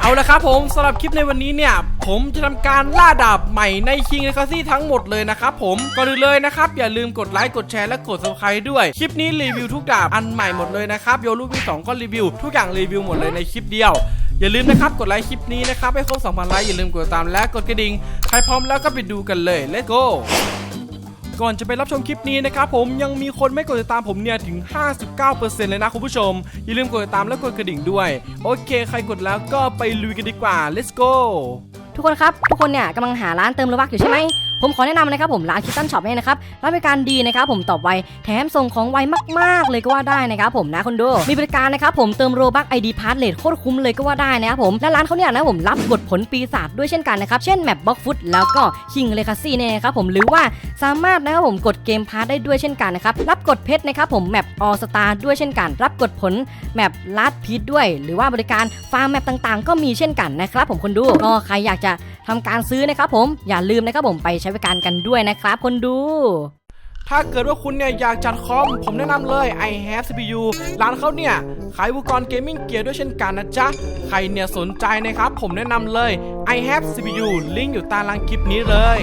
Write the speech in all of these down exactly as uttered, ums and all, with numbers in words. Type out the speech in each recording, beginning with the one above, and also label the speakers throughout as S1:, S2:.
S1: เอาละครับผมสำหรับคลิปในวันนี้เนี่ยผมจะทำการล่าดาบใหม่ใน King Legacy ทั้งหมดเลยนะครับผมก่อนอื่นเลยนะครับอย่าลืมกดไลค์กดแชร์และกด ซับสไครบ์ ด้วยคลิปนี้รีวิวทุกดาบอันใหม่หมดเลยนะครับโยรูวีสองก็รีวิวทุกอย่างรีวิวหมดเลยในคลิปเดียวอย่าลืมนะครับกดไลค์คลิปนี้นะครับให้ครบ สองพัน ไลค์อย่าลืมกดตามและกดกระดิ่งใครพร้อมแล้วก็ไปดูกันเลย let's goก่อนจะไปรับชมคลิปนี้นะครับผมยังมีคนไม่กดติดตามผมเนี่ยถึง ห้าสิบเก้าเปอร์เซ็นต์ เลยนะคุณผู้ชมอย่าลืมกดติดตามและกดกระดิ่งด้วยโอเคใครกดแล้วก็ไปลุยกันดีกว่า let's go
S2: ทุกคนครับทุกคนเนี่ยกำลังหาร้านเติมโลบัคอยู่ใช่ไหมผมขอแนะนำนะครับผมร้านคิตตันช็อปเนี่ยนะครับร้านบริการดีนะครับผมตอบไวแถมส่งของไวมากๆเลยก็ว่าได้นะครับผมนะคนดูมีบริการนะครับผมเติมโลบัค ไอ ดี พาสเลทโคตรคุ้มเลยก็ว่าได้นะครับผมและร้านเขาเนี่ยนะผมรับบทผลปีศาจด้วยเช่นกันนะครับเช่นแมปบล็อกฟุตแล้วก็ King Legacy เนี่ยนะครับผมหรือว่าสามารถนะครับผมกดเกมพาสได้ด้วยเช่นกันนะครับรับกดเพชรนะครับผมแมปออสตาด้วยเช่นกันรับกดผลแมปลาดพีทด้วยหรือว่าบริการฟาร์มแมปต่างๆก็มีเช่นกันนะครับผมคนดูก็ใครอยากจะทำการซื้อนะครับผมอย่าลืมนะครับผมไปใช้บริการกันด้วยนะครับคนดู
S1: ถ้าเกิดว่าคุณเนี่ยอยากจัดคอมผมแนะนำเลย I have ซี พี ยู ร้านเขาเนี่ยขายอุปกรณ์เกมมิ่งเกียร์ด้วยเช่นกันนะจ๊ะใครเนี่ยสนใจนะครับผมแนะนำเลย I have ซี พี ยู ลิงก์อยู่ใต้ล่างคลิปนี้เลย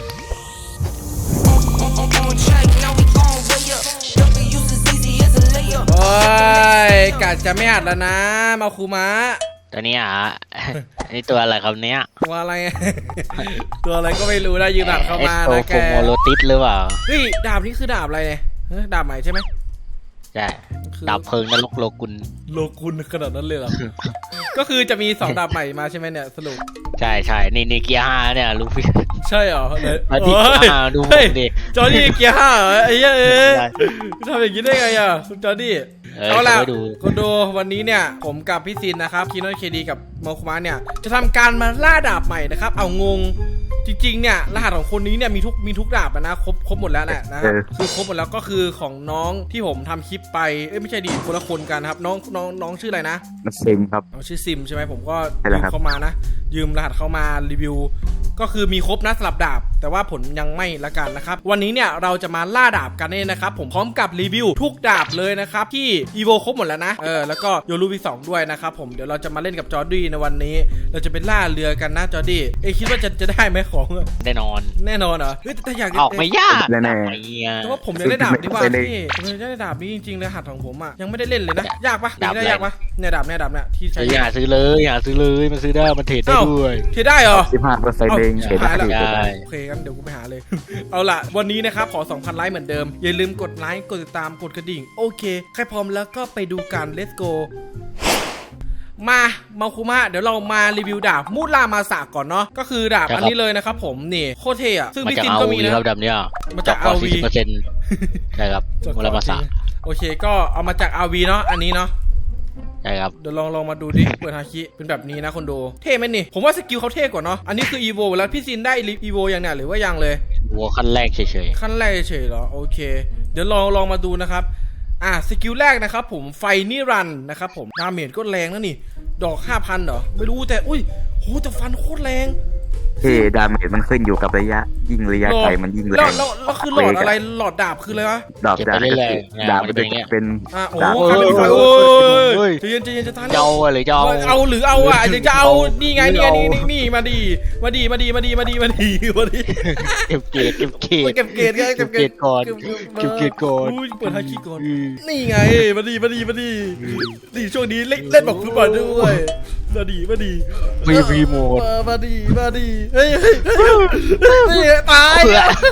S1: โอ้ยกัดจะไม่อัดแล้วนะมาคูมะ
S3: ตัวนี้อ่ะ นี่ตัวอะไรครับเนี้ย
S1: ตัวอะไร ตัวอะไรก็ไม่รู้ได้ยืนหลัดเข้ามานะแก
S3: โมโลติสหรือเปล่า
S1: เฮ้ยดาบนี้คือดาบอะไรเนี่ยดาบใหม่ใช่ไหม
S3: ใช่ดาบเพลิงนรกโลกุล
S1: โลกุลขนาดนั้นเลยเหรอ ก็คือจะมีสองดาบใหม่มาใช่ไหมเนี่ยสรุป
S3: ใช่ใช่นี่นี่เกียร์ห้าเนี่ยลูฟี่
S1: ใช่เหรอ
S3: มาที่เกียร์ห้าดูดิ
S1: จอร์ดี้เกียร์ห้าเหรอไอ้เหี้ยเอ้ยทำอย่างนี้ได้ไงอ่ะคุณจอร์ดี้เอาล่ะคุณดูวันนี้เนี่ยผมกับพี่ซินนะครับคีโนเคดีกับโมคุมะเนี่ยจะทำการมาล่าดาบใหม่นะครับเอางงจริงๆเนี่ยรหัสของคนนี้เนี่ยมีทุกมีทุกดาบนะครบครบหมดแล้วนะนะครับคือครบหมดแล้วก็คือของน้องที่ผมทำคลิปไปเอ้ยไม่ใช่ดิคนละคนกันครับน้องน้องน้องชื่ออะไรนะ
S4: ซิมครับ
S1: ชื่อซิมใช่ไหมผมก็ยืมเข้ามานะยืมรหัสเข้ามารีวิวก็คือมีครบนะสลับดาบแต่ว่าผลยังไม่ละกันนะครับวันนี้เนี่ยเราจะมาล่าดาบกันเนี่ยนะครับผมพร้อมกับรีวิวทุกดาบเลยนะครับที่อีโวครบหมดแล้วนะเออแล้วก็โยรูวีสองด้วยนะครับผมเดี๋ยวเราจะมาเล่นกับจอร์ดี้ในวันนี้เราจะเป็นล่าเรือกันนะจอร์ดี้เอ้คิดว่าจะจะได้ไหมของ
S3: แน่นอน
S1: แน่นอนเหรอเฮ้ยแต่อยาก
S3: ออกไม่ยาก
S4: แน่
S1: แต่ว่าผมยังได้ดาบดีกว่าพี่ผมยังได้ดาบนี้จริงๆเลยรหัสของผมอ่ะยังไม่ได้เล่นเลยนะยากปะได้ยากปะเนี่ยดาบเนี่ยดาบเนี่ยที่ใช้
S3: อย่าซื้อเลยอย่าซื้อเลยมันซื้อได้มันเทรดได้ด้วย
S1: เทรดได้เหรอ
S4: สิบห้าเปอร์เซ็นต์เอง
S1: เทรดได้โอเคงั้นเดี๋ยวกูไปหาเลยเอาล่ะวันนี้นะครับขอ สองพัน ไลค์เหมือนเดิมอย่าลืมกดไลค์กดติดตามกดกระดิ่งโอเคใครพร้อมแล้วก็ไปดูกัน let's go มามาคุมะเดี๋ยวเรามารีวิวดาบมูรามาสะก่อนเนาะก็คือดาบอันนี้เลยนะครับผมนี่โคตรเท่อะซึ่งพี่ซินก็มีนะครับ
S3: ดาบเนี้ย
S1: มาจาก อาร์ วี
S3: ใช่ครับมูรามาสะ
S1: โอเคก็เอามาจาก อาร์ วี เนาะอันนี้เนาะ
S3: ใช่ครับ
S1: เดี๋ยวลองลองมาดูดิเปิดฮาคิเป็นแบบนี้นะคนดูเท่ไหมนี่ผมว่าสกิลเขาเท่กว่าเนาะอันนี้คืออีโวแล้วพี่ซินได้อีโวอย่างเนี้ยหรือว่ายังเลย
S3: อีโวขั้นแรกเฉย
S1: ๆขั้นแรกเฉยๆเหรอโอเคเดี๋ยวลองลองมาดูนะครับอ่ะสกิลแรกนะครับผมไฟนิรันดร์นะครับผมดาเมจก็แรงนะนี่ดอก ห้าพัน เหรอไม่รู้แต่อุ้ยโหแต่ฟันโคตรแรง
S4: เฮ้ดาเมจมันขึ้นอยู่กับระยะยิ่งระยะไกลมันยิ่งแรง
S1: แล้วแล้วคือหลอดอะไรหลอดดาบคืออะไรวะ
S4: ดาบดาบดาบเป็นเป็น
S1: อ่ะโอ้โหคันเป็นไฟโอ้ยใจเย็นใจเย็นจะทัน
S3: เจ้าหรือเจ้า
S1: เอาหรือเอาอ่ะจะเอานี่ไงนี่นี่นี่นี่มาดีมาดีมาดีมาดีมาดีมาดีมาดี
S3: เก็บเกรดเก็บเกรด
S1: เก็บเกรดไงเก็บเกรด
S3: ก่อนเก็บเกรดก่อน
S1: เปิดฮาคิก่อนนี่ไงมาดีมาดีมาดีนี่ช่วงนี้เล่นเล่นบอกคือมาด้วยมาดีมาดี
S3: ฟรีฟรีโหมด
S1: มาดีมาดีเฮ้ยเฮ้ยนี่ตาย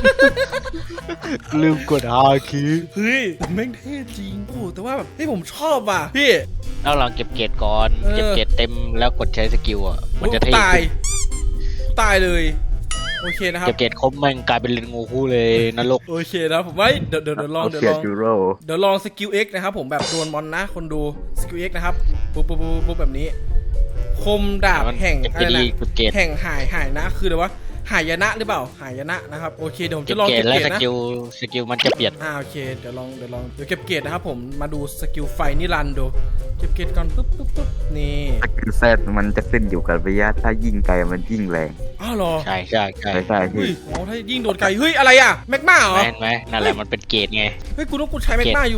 S3: ลืมกดฮาคิ
S1: เฮ้ยแม่งเท่จริงโอ้แต่ว่าแบบที่ผมชอบอ่ะพี่
S3: เราลองเก็บเกรดก่อนเก็บเกรดเต็มแล้วกดใช้สกิลอ่ะมันจะเท่
S1: ตายตายเลยโอเคนะครับ
S3: เก็บเกรดครบมันกลายเป็นเลนงูคู่เลยนรก
S1: โอเคนะผมว่าเดี๋ยวเดี๋ยวลองเดี๋ยวลองเดี๋ยวลองสกิล X นะครับผมแบบโดนมอนนะคนดูสกิล X นะครับปุ๊บปุ๊บปุ๊บแบบนี้คมดาบแห่งอะไรนะแห่งหายหายนะคืออะไรวะหายนะหรือเปล่าหายนะนะครับโอเคเดี๋ยวผมจะลองเก็บเกรดนะ
S3: สกิลสกิลมันจะเปลี่ยน
S1: อ่าโอเคเดี๋ยวลองเดี๋ยวลองเดี๋ยวเก็บเกรดนะครับผมมาดูสกิลไฟนิรันดร์ดูเก็บเกรดก่อนปุ๊บปุ๊บปุ๊บนี่
S4: สกิลแซดมันจะขึ้นอยู่กับระยะถ้ายิ่งไกลมันยิ่งแรง
S1: อ้าวเหรอ
S3: ใช่ใช่ใช่
S4: ใช่
S1: เฮ้ยโอ้ถ้ายิ่งโดนไกลเฮ้ยอะไรอะแมกมาเหรอ
S3: เห็นไหมนั่นแหละมันเป็นเกรดไง
S1: เฮ้ยกูต้องกูใช้แมกมาอยู่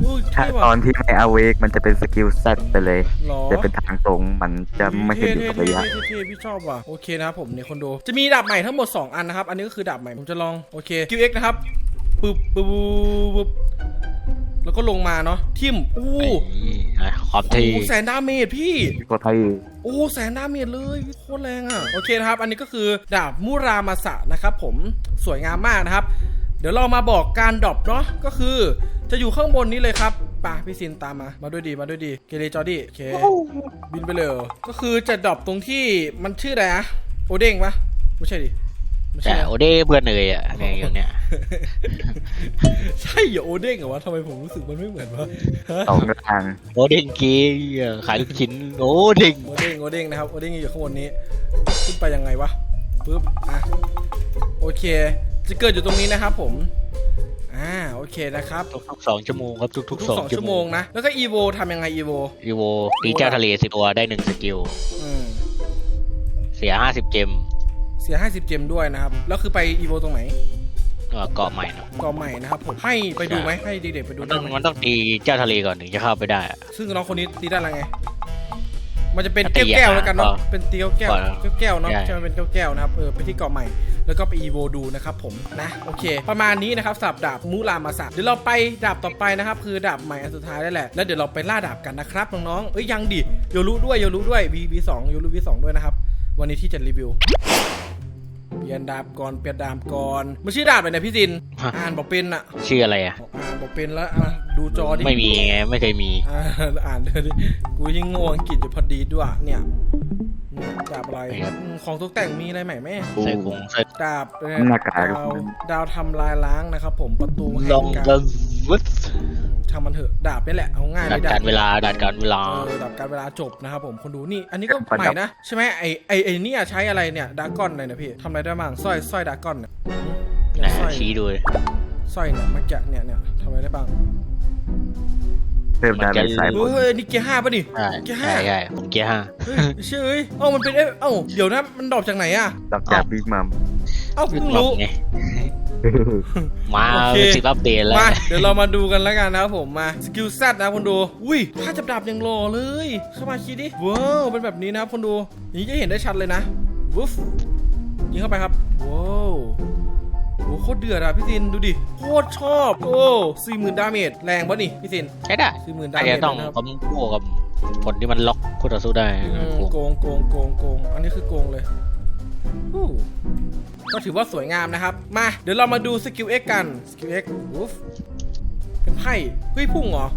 S1: อุ้ย
S4: ถ้า
S1: เท่ว่ะ
S4: ตอนที่ไม่อเวกมันจะเป็นสกิลแซดไปเลย
S1: หรอ
S4: จะเป็นทางตรงมันจะไม่ขึ้นอยู่กับระยะ
S1: เท่ๆเท่ๆพี่ชอบว่ะโอเคนะครับผมเนี่ยคนดูจะมีดาบใหม่ทั้งหมดสองอันนะครับอันนี้ก็คือดาบใหม่ผมจะลองโอเค คิว เอ็กซ์ นะครับปึ๊บปึ๊บปึ๊บแล้วก็ลงมาเนาะทิมอู้
S3: ไอ้ความ
S1: โอ้
S3: ที่
S1: โหแสนดาเมจพี่
S4: ก็ไทย
S1: โอ้แสนดาเมจเลยโคตรแรงอ่ะโอเคนะครับอันนี้ก็คือดาบมูรามาสะนะครับผมสวยงามมากนะครับเดี๋ยวเรามาบอกการดรอปเนาะก็คือจะอยู่ข้างบนนี้เลยครับป่ะพี่ซินตามมามาด้วยดีมาด้วยดีเกเรจอดี้โอเคบินไปเลยก็คือจะดรอปตรงที่มันชื่ออะไรนะโอเด้งปะไม่ใช่ดิไม่ใช่
S3: แต่
S1: นะ
S3: โอเด้เบื่อเนยอ่ะในอย่างเนี้ย
S1: ใช่เหรอโอเด้งเหรอวะทำไมผมรู้สึกมันไม่เหมือนวะฮะ
S4: สองทาง
S3: โอเด้งกีขายลูกชิ้นโอเด้ง
S1: โอเด้งโอเด้งนะครับโอเด้งอยู่ข้างบนนี้ขึ้นไปยังไงวะปึ๊บอ่ะโอเคจะเกิดอยู่ตรงนี้นะครับผมอ่าโอเคนะครับ
S3: ทุกๆสองชั่วโมงครับทุก
S1: ทุก
S3: ๆ
S1: ส
S3: ส
S1: อ
S3: อง ง
S1: ชั่
S3: ชั่
S1: ว
S3: ว
S1: โม
S3: โม
S1: ง
S3: ง
S1: นะแล้วก็อีโวทำยังไงอีโว
S3: อีโวตีเจ้าทะเลสิบตัวได้หนึ่งสกิล
S1: อืม
S3: เสียห้าสิบเจม
S1: เสียห้าสิบเจมด้วยนะครับแล้วคือไปอีโวตรงไหน
S3: เกาะใหม่เนาะ
S1: กอใหม่นะครับผมให้ไปดูไหมให้เด็กๆไปดู
S3: มัน
S1: ได้
S3: ต้อง
S1: ไหม
S3: มันต้องตีเจ้าทะเลก่อนถึงจะเข้าไปได้อะ
S1: ซึ่งน้องคนนี้ตีได้อะไรไงมันจะเป็น
S3: ตี
S1: แก้ว
S3: อ่ะ
S1: ๆแล้วกันเนาะ
S3: ก็
S1: เป็นตีแก้ว
S3: ก็
S1: ๆแก้วๆเนาะ
S3: ใช่
S1: ใช่มันเป็นแก้วๆนะครับเออไปที่เกาะใหม่แล้วก็ไปอีโวดูนะครับผมนะโอเค ประมาณนี้นะครับสำหรับดาบมูรามาสะเดี๋ยวเราไปดาบต่อไปนะครับคือดาบใหม่อันสุดท้ายแล้วแหละแล้วเดี๋ยวเราไปล่าดาบกันนะครับน้องๆเอ้ยยังดิโยรุด้วยโยรุด้วย วี วี สองโยรุ วี สองด้วยนะครับวันนี้ที่จะรีวิวเปลี่ยนดาบก่อนเปลี่ยนดาบก่อนมันชื่อดาบอะไรนะพี่ซินอ่านบอกเป็นอะ
S3: ชื่ออะไรอ่ะ
S1: อ่านบอกเป็นแล้วอ่ะดูจอดิ
S3: ไม่มีไงไม่เคยมี
S1: อ่าอ่านเลยดิกูยิ่งโง่อังกฤษอยู่พอดีด้วยเนี่ยเนี่ยดาบอะไรอืมของตกแต่งมีอะไรใหม่ไหม
S3: ใส่กงใส่
S1: ดาบเอ่อ
S4: หน้ากาก
S1: ดาวดาวทำลายล้างนะครับผมประตูแห่
S3: ลอง
S1: งการ
S3: กันวุฒ
S1: ทำมันเถอะดาบนี่แหละเอาง่าย
S3: ดั
S1: เล
S3: ด
S1: ยดา
S3: การ
S1: บ
S3: เวลาดัดการเวลา
S1: เออดาบการเวลาจบนะครับผมคนดูนี่อันนี้ก็ใหม่นะใช่ไหมไอไอไอเนี่ยใช้อะไรเนี่ยดากอนเลยนะพี่ทำอะไรได้บ้างสร้อยสร้อยดากอนเนี่ยอืม
S3: ไหน
S1: เนี่ยสร้อย
S3: ชี้ดู
S1: สร้อยเนี่ยเมื่อกี้เนี่ยเนี่ยทำอะไรได้บ้าง
S4: เพิ่มดาเมจสายบน
S1: เฮ้ยนี่เกียร์ห้าป่ะดิ
S3: ใช่
S1: เกียร์ห้า
S3: ใช่ใช่ผมเกียร์ห้า
S1: เฮ้ยเชื่อเอ้ยเอ้ามันเป็นเอ้ยเอ้าเดี๋ยวนะมันดรอปจากไหนอะ
S4: หลังจากบิ๊กมัม
S1: เอ้าเพิ่งรู้
S3: ไงมา
S1: โอเค
S3: สิบอัปเดตแล้ว
S1: มาเดี๋ยวเรามาดูกันแล้วกันนะครับผมมาสกิลแซดนะคนดูอุ้ยถ้าจับดาบยังรอเลยเข้ามาคิดดิว้าวเป็นแบบนี้นะครับคนดูอย่างนี้จะเห็นได้ชัดเลยนะวุฟยิงเข้าไปครับว้าวโอ้โคตรเดือดอะพี่ซินดูดิโคตรชอบโอ้สี่หมื่นดาเมจแรงปะนี่พี่ซิน
S3: ใช้ได้
S1: สี่หมื่นดา
S3: อาจ
S1: เมจ
S3: จะต้อง
S1: นะครับ
S3: คอมโบกับผลที่มันล็อกคู่ต่อสู้ได้
S1: อืมโกงโกงโกงโกงอันนี้คือโกงเลยอู้ก็ถือว่าสวยงามนะครับมาเดี๋ยวเรามาดูสกิล X กันสกิล X วุฟเป็นไพ่เฮ้ยพุ่งเหรอ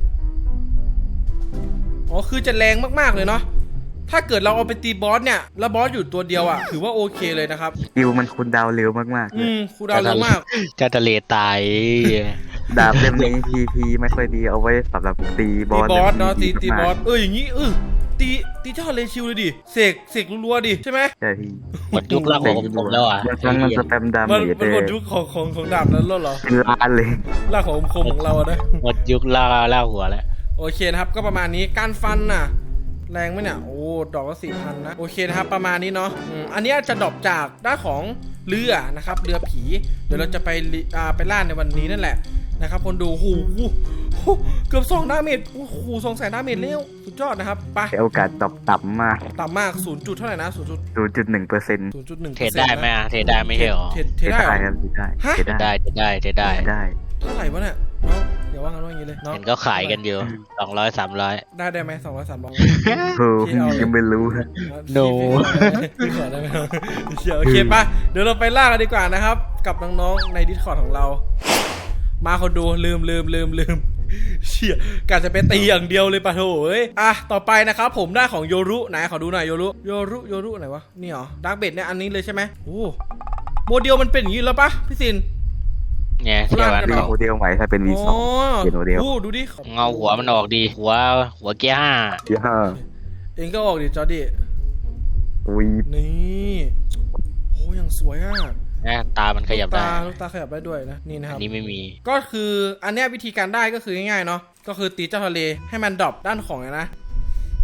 S1: อ๋อคือจะแรงมากๆเลยเนาะถ้าเกิดเราเอาไปตีบอสเนี่ยแล้วบอสอยู่ตัวเดียวอ่ะถือว่าโอเคเลยนะครับ
S4: สกิลมันคูลดาวน์เร็วมากๆเล
S1: อื
S4: ย
S1: มครูดาวเร็วมาก
S3: เจะทะเลตาย
S4: ดาบเล่มนี้พีพีไม่ค่อยดีเอาไว้สำหรับตีบ
S1: ตี
S4: อส
S1: บอสเนาะตี
S4: มกๆ
S1: ตีบอสเอออย่างงี้เออตีตีเจ้าเลชิวเลยดิเสกเสกรัวๆดิใช่ไหม
S4: ใช่พี่
S3: หมดยุคล่างของผมแล้วอ่ะ
S4: บางครั้งมันสแปมดาเม
S1: มัน
S4: จ
S1: มัน
S4: เล
S1: หมด
S4: ย
S1: ยุคของของของดาบนั้นแล้วเหรอ
S4: เป็นล้านเลย
S1: ล่างของคมของเราอะนะ
S3: หมดยุคล่างล่างหัวแล้ว
S1: โอเคนะครับก็ประมาณนี้การฟันน่ะแรงไหมเนี่ยโอ้ดอกละสี่พันนะโอเคนะครับประมาณนี้เนาะอืมอันนี้จะดรอปจากด้านของเรือนะครับเรือผีเดี๋ยวเราจะไปลิอ่าไปล่าในวันนี้นั่นแหละนะครับคนดูหูหูเกือบสองดาเมจโอ้โหสองแสนดาเมจเร็วสุดยอดนะครับไป
S4: แต่โอกาสตอบต่ำมาก
S1: ต่ำมากศูนย์จุดเท่าไหร่นะศูนย์จุด
S4: ศูนย์จุดหนึ่งเปอร์เซ็นต์
S1: ศูนย์จุดหนึ่ง
S3: เทรดได้ไหมอะเทรดได้ไม่ใช่หรอ
S1: เทรดเทรดได้เหรอ
S4: ครับได้
S1: ฮะ
S4: เทรด
S3: เทรดได้
S4: ได้
S3: เทรดได้เทรดได้
S4: เทรดได้
S1: เท่าไหร่วะเนี่ยน้องอย่าว่ากันว่าอย่างนี้เลยน้อง
S3: เห็นก็ขายกันอยู่สองร้อยสามร้อย
S1: ได้ได้ไหมสองร้อยสามร้อย
S4: โอ้ยังไม่รู้
S3: No
S1: พี่ขอได้ไหมครับเชียวโอเคปะเดี๋ยวเราไปล่ากันดีกว่านะครับ กับน้องๆใน Discord ของเรา มาคนดูลืมลืมลืมลืมเชี่ยกะจะไปตีอย่างเดียวเลยปะโถเอ้ยอ่ะต่อไปนะครับผมได้ของโยรุไหนขอดูหน่อยโยรุโยรุโยรุไหนวะนี่เหรอดาร์กเบดเนี่ยอันนี้เลยใช่ไหมโอ้โมเดลมันเป็นอย่างนี้แล้วปะพี่ซิน
S3: เนี่ยเทียบกัน
S4: มี
S3: ออก
S4: โมเดลใหม่ถ้าเป็น วี สอง เปลี่ยนโมเดล
S1: โอ้ดูดิ
S3: เงาหัวมันออกดี หัวหัวเกียร์ห้า
S4: ย่า
S1: เองก็ออกดิจอร์ดี้
S4: วี
S1: นี่โอ้ยังสวยอ่ะ
S3: นะตามันขยับได้
S1: ตาลูกตาขยับได้ด้วยนะนี่นะค
S3: อั
S1: รั
S3: น
S1: บ
S3: นี้ไม่มี
S1: ก็คืออันเนี้ยวิธีการได้ก็คือง่ายๆเนาะก็คือตีเจ้าทะเลให้มันดรอปด้านของนะ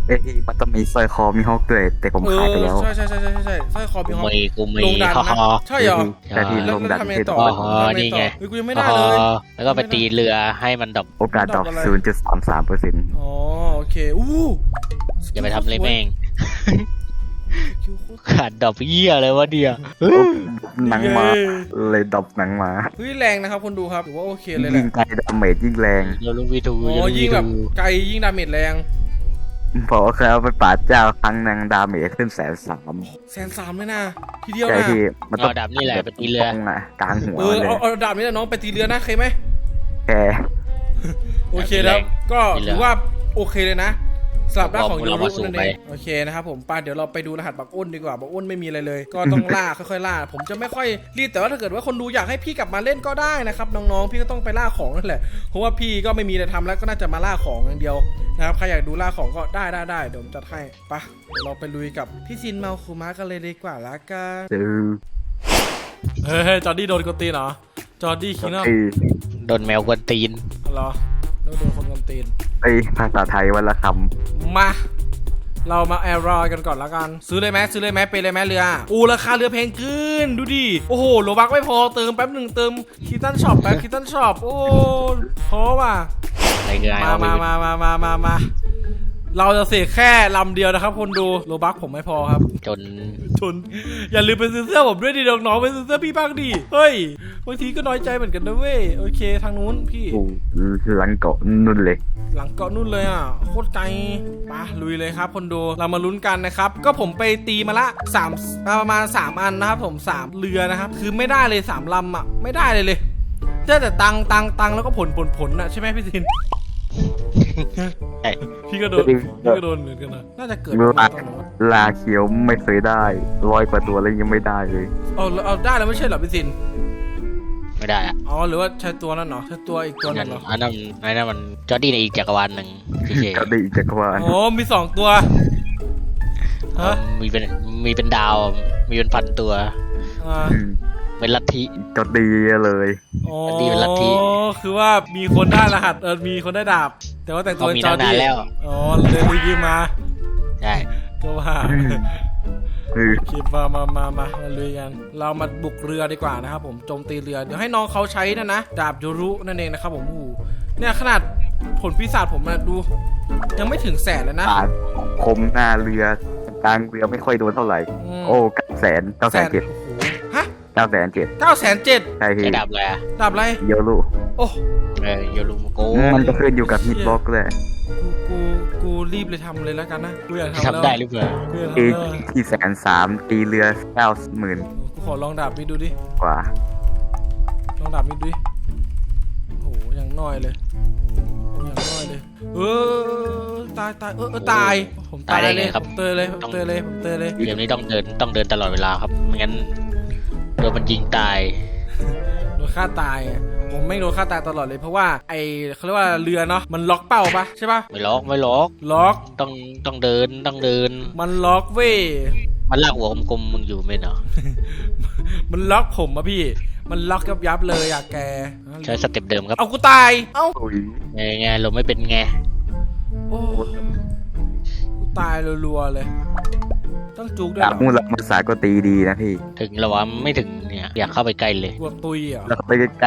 S4: เอ้ยที่มันต้องมีสร้อยคอมีฮอกด้วยแต่ผม
S1: เอ
S4: ขาย
S1: อ
S4: ไปแล้ว
S1: ใช่ใช่ใช่ใช่ใช่สร้อยคอ
S3: กู
S1: มีห้อง
S3: มีกูมี
S1: ลงดัน
S3: ฮอ
S1: นะ
S3: ฮอ
S1: ใช่เหรอ
S4: แต่ที่
S1: แล้
S4: ล
S1: ว
S4: ง
S1: แล้ว
S4: ดัน
S1: ทำไง
S4: คือ
S1: ต่อ
S3: อ๋อ
S1: ทำไง
S3: นี่ไง
S1: ต่อเฮ้ยกูยังไม่
S3: ฮ
S1: ได้
S3: อ
S1: เลย
S3: แล้วก็ไปตีเรือให้มันดรอป
S4: โอกาสดรอป
S1: ดรอปอะไร
S4: ศูนย์จุดสามสามเปอร์เซ็นต์
S1: อ๋อโอเคอู้
S3: อย่าไปทำเลยแม่ง
S1: คิวโคตร
S3: ขาดดรอปเหี้ยเลยวะเดียว
S4: หนังมาเลยดรอปหนังมา
S1: เฮ้ยแรงนะครับคนดูครับถือว่าโอเคเลยแห
S4: ยิ่
S1: ละ
S4: งไกลดาเมจยิ่งแรง
S3: เดี๋ยวลุงวีทู
S1: อ๋
S3: เดี๋ยว
S1: อ
S3: ลุง
S1: ยิ่
S3: วี
S1: งแบบ
S3: ทู
S1: ไกลยิ่งดาเมจแรง
S4: เพราะว่าเคยเอาไปปราดเจ้าครั้งหนึงดาเมจขึ้นแสนสาม
S1: แสนสามเลยนะทีเดียว
S4: ใช่
S1: นะ
S4: ที่มันต้อ
S3: เอา
S4: ง
S3: ดับนี่แหละไปตีเรือ
S4: ตรงอ่ะกลางหัว
S1: เออ
S4: เลย
S1: เอาเอาดาบนี้แหละน้องไปตีเรือนะเคยไหม
S4: แค่
S1: โอเคแล้วก็ถือว่าโอเคเลยนะสลับด้านของ
S3: ผม
S1: โย
S3: เรา
S1: รุ
S3: มาสู่
S1: นั่น
S3: ไป
S1: เองโอเคนะครับผมป้าเดี๋ยวเราไปดูรหัสบักอ้นดีกว่าบักอ้นไม่มีอะไรเลย ก็ต้องล่า ค่อยๆล่า ผมจะไม่ค่อยรีบแต่ว่าถ้าเกิดว่าคนดูอยากให้พี่กลับมาเล่นก็ได้นะครับน้องๆพี่ก็ต้องไปล่าของนั่นแหละเพราะว่าพี่ก็ไม่มีอะไรทำแล้วก็น่าจะมาล่าของอย่างเดียวนะครับใครอยากดูล่าของก็ได้ได้ได้เดี๋ยวผมจัดให้ไปะเดี๋ยวเราไปลุยกับพี่ซินเมาคูมะกันเลยดีกว่าละกัน
S4: ซื้อ
S1: เฮ้ยจอร์ดี้โดนกดตีนเหรอจอร์ดี้คิงเนอร์
S4: ไอ้
S3: โดนแมวกวนตีน
S1: เหรอโดนคนกดตีน
S4: ไอ้ภาษาไทยวันละค
S1: มา เรามาแอร์รอยกันก่อนละกัน ซื้อเลยไหมซื้อเลยไหมไปเลยไหมเรืออูราคาเรือแพงขึ้นดูดิโอ้โหโลบักไม่พอเติมแป๊บหนึ่งเติมคิตตันช็อปแป๊บคิตตันช็อปโอ้พอว่ะ
S3: อะไรเงี้ย
S1: มามามามามามามาเราจะเสกแค่ลำเดียวนะครับคนดูโลบักผมไม่พอครับ
S3: จน
S1: จนอย่าลืมไปซื้อเสื้อผมด้วยดิน้องๆไปซื้อเสื้อพี่บ้างดิเฮ้ยบางทีก็น้อยใจเหมือนกันนะเว้ยโอเคทางนู้นพี่
S4: ำกูหลังเกาะนุ่นเลย
S1: หลังเกาะนู่นเลยอ่ะโคตรไกลปะลุยเลยครับคนดูเรามาลุ้นกันนะครับก็ผมไปตีมาละสามประมาณสามอันนะครับผมสามเรือนะครับคือไม่ได้เลยสามลำอ่ะไม่ได้เลยเลยได้แต่ตังตังตังแล้วก็ผลผลผลอ่ะใช่ไหมพี่ซิน
S3: ใช่
S1: พี่ก็โดนพี่ก็โดนเหมือนกันนะน่าจะเกิด
S4: เมื่อ
S1: มาตอนนั้น
S4: ลาเขียวไม่เคยได้ร้อยกว่าตัวแล้วยังไม่ได้เลย
S1: เอาเอาได้แล้วไม่ใช่เหรอพี่ซิน
S3: ไม่ได้อะ
S1: อ๋อหรือว่าใช้ตัวนั้นเหรอใช้ตัวอีกตัว
S3: อัน
S1: นึ
S3: นั้น
S1: งเหรอ
S3: อันนั้นอันนั้นมันจอร์ดี้ในอีกจักรวาลหนึ่งเฉย
S4: ก็ได้อีกจักรวาล
S1: อ๋อมีสองตัว
S3: ๆ
S1: ฮะ
S3: มีเป็นมีเป็นดาว มีเป็นพันตัว
S1: อ่า
S4: อืม
S3: เป็นลัทธิ
S4: ก็ดีเลย
S1: อ๋อ
S3: ดีเป็นลัทธิ
S1: คือว่ามีคนได้รหัสเออมีคนได้ดาบ แต่ว่าแต่งตัว
S3: เขา
S1: เป็น
S3: มี
S1: จอ
S3: ตั้
S1: ร์
S3: งนาน
S1: ดี้
S3: แล้ว
S1: อ๋อเลยรีวิวมา
S3: ใช่
S1: ก็ว่า
S4: อืมคือ
S1: โอเคมามามามามาลุยกัน เรามาบุกเรือดีกว่านะครับผมโจมตีเรือ เดี๋ยวให้น้องเขาใช้นะนะ ดาบโยรุนั่นเองนะครับผมโอ้โหเนี่ยขนาดผลปีศาจผมนะดู ยังไม่ถึงแสนเลยนะ
S4: ปาดคมหน้าเรือกลางเรือไม่ค่อยโดนเท่าไหร่
S1: ม
S4: โอ้เก้าแสนเก้าแสนเจ็ด
S1: โอ้โหฮะ
S4: เก้าแสนเจ็ด
S1: เก้าแสนเจ็ด
S4: ใช่พี่
S3: ใช้ดาบอะไรอะ
S1: ดาบอะไร
S4: เยอะลู
S1: โอ้
S3: เออโยรุมโก
S4: มันจะขึ้นอยู่กับฮิตบล็อกเลย
S1: กูกูกูรีบเลยทำเลยแล้วกันนะกูอยากทำแล้ว
S3: ทำได้หรือเปล่า
S1: กูอยาก
S4: เอ
S1: ทำแล้ว
S4: ที่แสนสามตีเรือเก้าหมื่น
S1: กูขอลองดาบนี้ดูดิ
S4: กว่า
S1: ลองดาบนี้ดูดิโอ้โหอย่างน้อยเลยอย่างน้อยเลย เออตายตายเออเออตายผมตายเลยผมเตยเลยผมเตยเลยผมเตยเลย
S3: เกมนี้ต้องเดินต้องเดินตลอดเวลาครับไม่งั้นโดนมันยิงตาย
S1: โดนฆ่าตายอะผมไม่โดนฆ่าตายตลอดเลยเพราะว่าไอเขาเรียกว่าเรือเนาะมันล็อกเป้าปะใช่ปะ
S3: ไม่ล็อกไม่ล็อก
S1: ล็อก
S3: ต้องต้องเดินต้องเดิน
S1: มันล็อกเว้ย
S3: มันลากหัวกลมๆมึงอยู่ไม่เนาะ
S1: มันล็อกผมอะพี่ มันล็อกยับยับเลยอะแก
S3: ใช้สเต็ปเดิมครับ
S1: เอากูตายเอ้า
S4: อุ้ย
S3: ไงไงเราไม่เป็นไง
S1: โอ้กูตายรัวๆเลย ต้องจุกด้วย
S4: ดา
S1: เห
S4: บ
S1: รอ
S4: มูลภาษาก็ตีดีนะพี่
S3: ถึงแล้ววะไม่ถึงเนี่ยอยากเข้าไปใกล้เลย
S1: กลัวตุยเหรอ
S4: แล้วก็ไปใกล้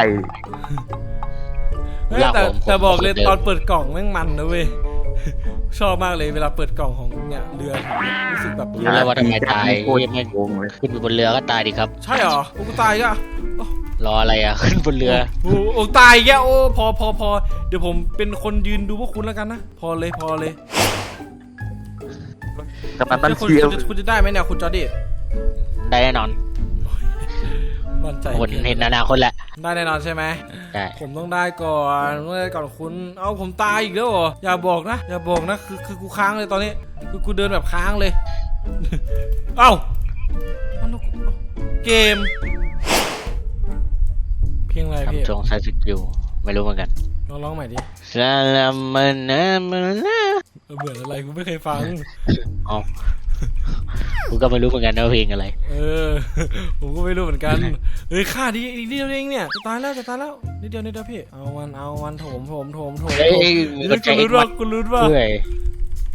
S1: เฮ้ย
S3: ลาก
S1: แต่
S3: ผมผม
S1: แต่บอกเลย
S3: ผมเดิน
S1: ตอนเปิดกล่องแม่งมันนะเว้ย ชอบมากเลยเวลาเปิดกล่องของเนี่ยเรือรู้สึกแบบ
S3: รู้แล้วว่าทำไมตาย
S4: โคตร
S3: ไม่
S4: โกงเลย
S3: ขึ้นไปบนเรือก็ตายดิครับ
S1: ใช่เหรอโอ้กูตายอีก็
S3: รออะไรอ่ะ ขึ้นบนเรือ
S1: โอ้โอ้ตายแกโอ้พอพอพอเดี๋ยวผมเป็นคนยืนดูพวกคุณแล้วกันนะพอเลยพอเลย
S4: กำลังตั้ง
S1: คุณ
S4: เชียร์
S1: คุณจะคุณจะได้ไหมเนี่ยคุณจอร์ดี้
S3: ได้แน่นอน
S1: มั่นใจ
S3: คนเห็นอนาคตแหละ
S1: ได้แน่นอนใช่ไหม
S3: ได้
S1: ผมต้องได้ก่อนต้องได้ก่อนคุณ เอาผมตายอีกแล้วเหรอ อย่าบอกนะ อย่าบอกนะ คือคือกูค้างเลยตอนนี้ คือกูเดินแบบค้างเลย เอ้าเอาแล้วกูเกม เพลงอะไรพี่
S3: ทำจงใช้สกิลไม่รู้เหมือนกัน
S1: ลองร้องใหม่ดิ
S3: สลามันนะมันนะ
S1: เออเบื่ออะไรกูไม่เคยฟัง
S3: อ๋อกูก็ไม่รู้เหมือนกันนะว่าเพลงอะไร
S1: เออ ผมก็ไม่รู้เหมือนกัน เฮ้ยค่าดีอีกนิดเดียวเองเนี่ยจะตายแล้วจะตายแล้ว นิดเดียวนิดเดียวพี่ เอาวันเอาวันโถมโถมโถมโถม
S3: เฮ้ย
S1: โถม
S3: มึง
S1: นี่
S3: ก็
S1: กู
S3: ใจเอ็
S1: รู้
S3: ก
S1: ว่า
S3: วัด
S1: กูรู้ว่า
S3: เพื่อย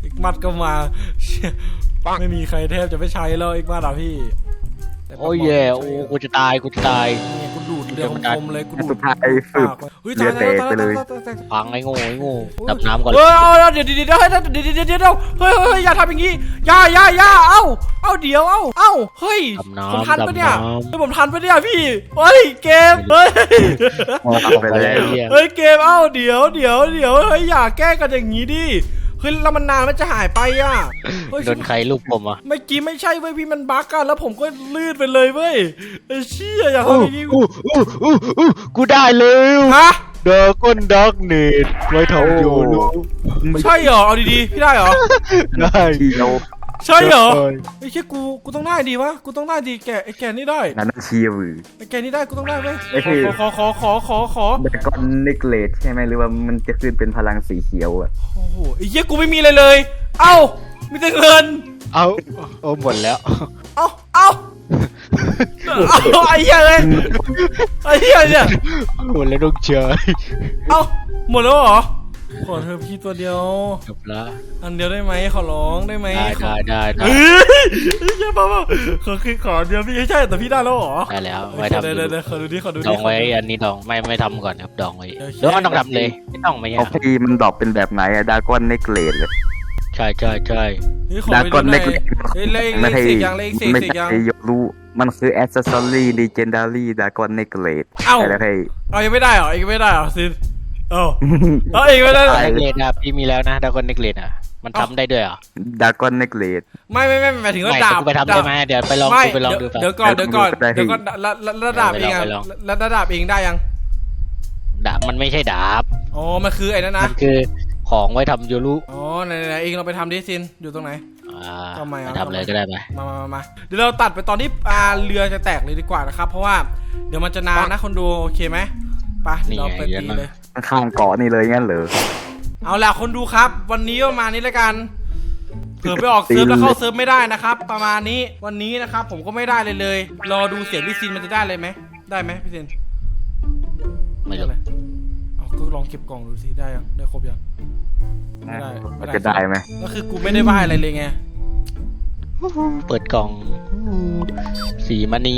S1: อีกมัดก็มาเชี่ยไม่มีใครแทบจะไม่ใช้แล้วอีกมัดอ่ะพี่แต่
S3: โอ้ยแย่โอ้กูจะตายกูจะตาย
S1: นี่กูดูดเรือคมๆเลยกูดู
S4: สุ
S1: ด
S4: ดท้ายฝึก
S1: ปากเฮ้ย
S4: เรื
S1: ตาย
S4: อ
S1: ตาย
S4: แตก
S1: ตาย
S4: ไปเลย
S1: ตายตายตาย
S3: พังไอ้โง่ไอ้โง่ดับน้ำก่อน
S1: เฮ้ยเอาเดี๋ยวเดี๋ยวเดี๋ยวเดี๋ยวเดี๋ยวเดี๋ยวเดี๋ยวเฮ้ยเฮ้ยอย่าทำอย่างงี้อย่าอย่าอย่าเอ้าเอ้าเดี๋ยวเอ้าเอ้าเฮ้ย
S3: ดับน้ำ
S1: ผมทันปะเนี่ย
S3: ดับน้ำ
S1: เฮ้ยผมทันปะเนี่ยพี่เฮ้ยเกมเฮ้ย
S4: ไปแล้ว
S1: เฮ้ยเกมเอ้าเดี๋ยวเดี๋ยวเดี๋ยวเฮ้ยอย่าแกล้งกันอย่างงี้ดิเฮ้ยแล้วมันนานมันจะหายไปอ่ะเฮ้ย
S3: โดนใครลูกผมอ่ะ
S1: เมื่อกี้ไม่ใช่เว้ยพี่มันบั๊กกันแล้วผมก็ลื่นไปเลยเว้ยไอ้เชี่ยอย่าทำอย่างนี้
S3: อู้อู้อู้อู้กูได้แล้ว
S1: ฮะ
S3: ดาก้อนดักเนตไว้ทำโยลู
S1: ใช่เหรอเอาดีๆพี่ได้เหรอ
S3: ได้
S4: เชียว
S1: ใช่เหรอไอ้เชี่ยกูกูต้องได้ดีวะกูต้องได้ดีแกไอ้แกนี่ได้
S4: นั่นเชียว
S1: ไอ้แกนี่ได้กูต้องได้ไหม
S4: ไอ้พี่
S1: ขอขอขอขอขอ
S4: แต่ก้อนนิกเลตใช่ไหมหรือว่ามันจะขึ้นเป็นพลังสีเขียวอ่ะ
S1: โอ้โหไอ้เชี่ยกูไม่มีอะไรเลย เอ้ามีแต่เงิน
S3: เอาเอาหมดแล้ว
S1: เอ้าเอ้าเอาไอ้เหี้ยเลยไอ้เหี้ยเนี่ย
S3: หมดแล้วลูกเชย
S1: เอ้าหมดแล้วเหรอขอเธอพี่ตัวเดียว
S3: จบละ
S1: อันเดียวได้ไหมขอร้องได้ไหม
S3: ได้ได้ได้ได้
S1: เฮ้ยเชี่ยป้าป้าขอคือขอเดียวพี่ใช่แต่พี่ได้แล้วเหรอ
S3: ได้แล้วไว้ทำ
S1: เดี๋ยว
S3: ดู
S1: เดี๋ยวเดี๋ยวขอดูดิขอดูดิ
S3: ดองไว้อันนี้ดองไม่ไม่ทำก่อนครับดองไว้
S1: เดี๋ยว
S3: หรือว่ามันต้องทำเลยไม่ต้องไม่
S4: เอา
S3: ยาก
S4: พี่มันดรอปเป็นแบบไหนอะดาก้อนนิกเลตเลย
S3: ใช่ใช่ใช่
S1: เฮ้ยขอ
S4: ดา
S1: ไป
S4: ก้อน
S1: ดูห
S4: นิ
S1: น่อย
S4: กเลต
S1: เฮ้ยเลขเล
S4: ไม่
S1: ข
S4: ใช่
S1: เสกยังเลขเสก
S4: ไม่
S1: เสกยัง
S4: ใช่ยรู้มันคือแอ c เซสซอรี่ลีเจนดารี่ดาก้อนนิกเลต
S1: เอ้า
S4: ใช่แล้วพี่
S1: เอายังไม่ได้เหรอยังไม่ได้เหรอซินเอ้าเอาอีกไม่ได้เหรอ
S3: เนกเลตอ่ะพี่มีแล้วนะดากอนเนกเลตอ่ะมันทำได้ด้วยเหรอ
S4: ดาก้อนนิกเลต
S1: ไม่ไม่ไม่หมายถึงว่า
S3: ไม่
S1: ดาบ
S3: กูไปทำได้ไหมเดี๋ยวไปลอง
S1: ไม่
S3: กูไปลองดู
S1: เดี๋ยว
S3: ป่ะ
S1: เดี๋ยวก่อนเดี๋ยวก่อน
S4: ได้พี่
S1: เดี๋ยวก่อนระระระดับเองอะ
S3: ไปลอง
S1: ระระดับเองได้ยัง
S3: ดาบมันไม่ใช่ดาบ
S1: อ๋อมันคือไอ้นั่นนะ
S3: มันคือของไว้ทำโยรุ
S1: อ๋อไหนไหนเองเราไปทำดิซินอยู่ตรงไหน
S3: อ่า
S1: ทำไมอ่ะ
S3: ไปทำเลยก็ได้ไป
S1: มามามามาเดี๋ยวเราตัดไปตอนที่อ่าเรือจะแตกเลยดีกว่านะครับ เพราะว่าเดี๋ยวมันจะนานนะคนดูโอเคไหมไปเดี๋ยวเราไปตีเลย
S4: ข้างเกาะนี่เลยงั้นเหรอ
S1: เอาล่ะคนดูครับ วันนี้ประมาณนี้แล้วกันเผื่อไปออกเซิร์ฟแล้วเข้าเซิร์ฟไม่ได้นะครับ ประมาณนี้วันนี้นะครับผมก็ไม่ได้เลยเลยรอดูเสียงพี่ซินมันจะได้เลยไหมได้ไหมพี่ซิน
S3: ไม่รู้
S1: ด้เลยเอาก็ลองเก็บกล่องดูสิได้ยังได้ครบยังไม่ได้ไม่
S4: จะได้ไหม
S1: ก็คือกูไม่ได้ว่าอะไรเลยไง
S3: เปิดกล่องสีมณี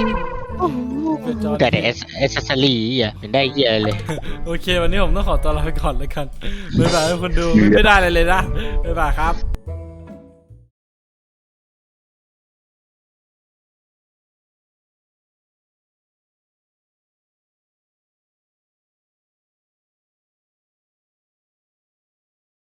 S3: แต่แต่เอสเอสเซอรี่อ่ะเป็นได้เหี้ยอะไรเลย
S1: โอเค วันนี้ผมต้องขอตัวลาไปก่อนแล้วกันบ๊ายบายทุกคนดูไม่ได้เลยเลยนะบ๊ายบายครับ